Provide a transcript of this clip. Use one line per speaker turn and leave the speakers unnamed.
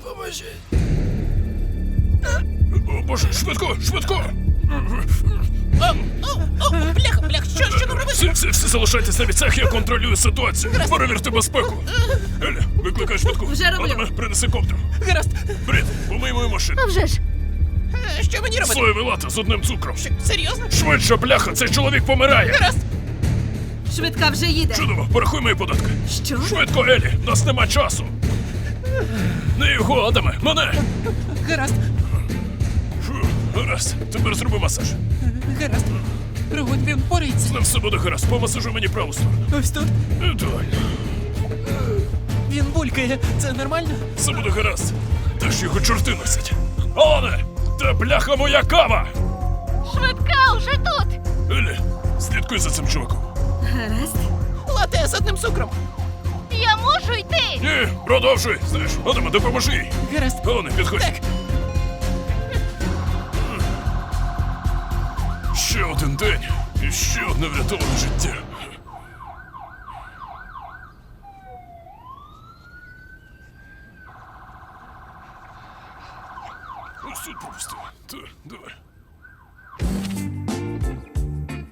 Допоможіть. О, Боже, швидко, швидко!
Бляха, що нам робити?
Всі залишайтесь на місцях, я контролюю ситуацію. Перевірте безпеку. Елі, викликай швидку.
Вже роблю.
Адаме, принеси коптер.
Гаразд.
Брід, помий мою машину.
А вже ж.
Що мені робити?
Соєвий латте з одним цукром.
Серйозно?
Швидше, бляха, цей чоловік помирає.
Гаразд.
Швидка вже їде.
Чудово, порахуй мої податки.
Що?
Швидко, Елі, нас нема часу. Не його, Адаме, мене.
Гаразд.
Фу, гаразд, тепер зроби масаж.
Гаразд. Пригодь, він впорається.
З ним все буде гаразд, помасажуй мені праву сторону.
Ось тут.
Ідеально.
Він булькає. Це нормально?
Все буде гаразд. Та ж його чорти носять. Алане, та бляха моя кава!
Швидка уже тут!
Елі, слідкуй за цим чуваком.
Гаразд.
Лате з одним цукром.
Я можу йти!
Ні, продовжуй. Знаєш, Адаме, допоможи їй.
Гаразд.
Алане, підходь.
Так.
Ще один день і ще одне врятоване життя. Ось тут пропустив. Так, давай.